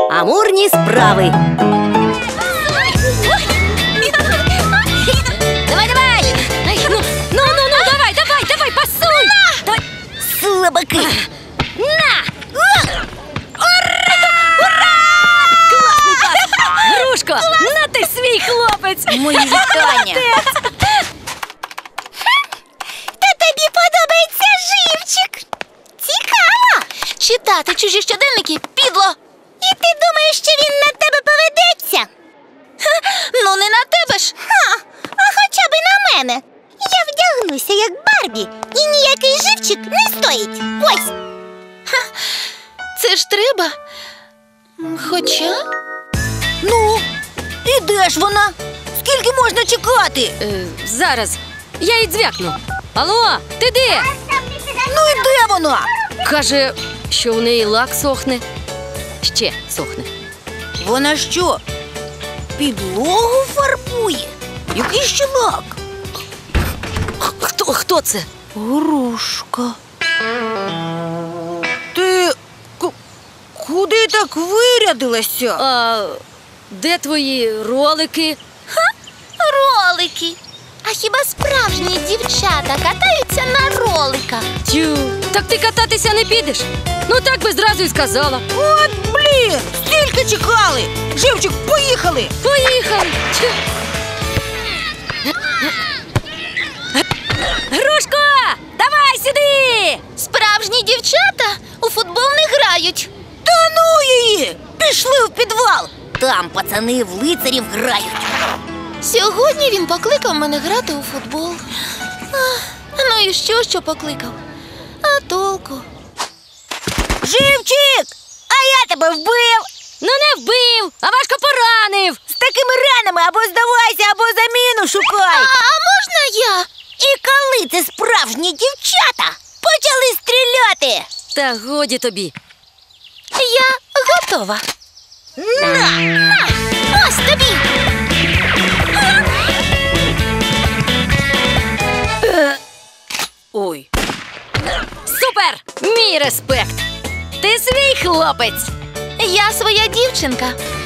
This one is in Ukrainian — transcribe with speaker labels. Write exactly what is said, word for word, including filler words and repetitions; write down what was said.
Speaker 1: Амурні справи.
Speaker 2: Давай, давай! Ну, ну, ну, ну, давай, давай, давай, пасуй! Давай.
Speaker 1: Слабаки.
Speaker 2: На! Ура! Ура! Класний пас! Грушко, на ти свій хлопець!
Speaker 1: Мої вітання.
Speaker 3: Та тобі подобається живчик. Цікаво. Читати чужі щоденники підло. І ти думаєш, що він на тебе поведеться? Ха, ну не на тебе ж. Ха, а хоча б на мене. Я вдягнуся як Барбі, і ніякий живчик не стоїть. Ось. Ха, це ж треба. Хоча...
Speaker 1: Ну, і де ж вона? Скільки можна чекати?
Speaker 2: Е, зараз, я їй дзвякну. Алло, ти де?
Speaker 1: Ну і де вона?
Speaker 2: Каже, що у неї лак сохне. Ще сохне.
Speaker 1: Вона що, підлогу фарбує? Який ще лак?
Speaker 2: Хто, хто це?
Speaker 1: Грушка. Ти ку- куди так вирядилася?
Speaker 2: А де твої ролики?
Speaker 3: Ролики. А хіба справжні дівчата катаються на роликах?
Speaker 2: Тю, так ти кататися не підеш? Ну так би зразу й сказала.
Speaker 1: От блін, стільки чекали. Живчик, поїхали.
Speaker 2: Поїхали! Тю. Грушко, давай сюди!
Speaker 3: Справжні дівчата у футбол не грають.
Speaker 1: Та ну її! Пішли в підвал. Там пацани в лицарів грають.
Speaker 3: Сьогодні він покликав мене грати у футбол. Ах, ну і що, що покликав? А толку?
Speaker 1: Живчик! А я тебе вбив!
Speaker 2: Ну не вбив, а важко поранив.
Speaker 1: З такими ранами або здавайся, або заміну
Speaker 3: А,
Speaker 1: шукай!
Speaker 3: а можна я?
Speaker 1: І коли це справжні дівчата почали стріляти?
Speaker 2: Та годі тобі.
Speaker 3: Я готова.
Speaker 1: На!
Speaker 3: На, ось тобі.
Speaker 1: Ой.
Speaker 2: Супер! Мій респект! Ти свій хлопець!
Speaker 3: Я своя дівчинка.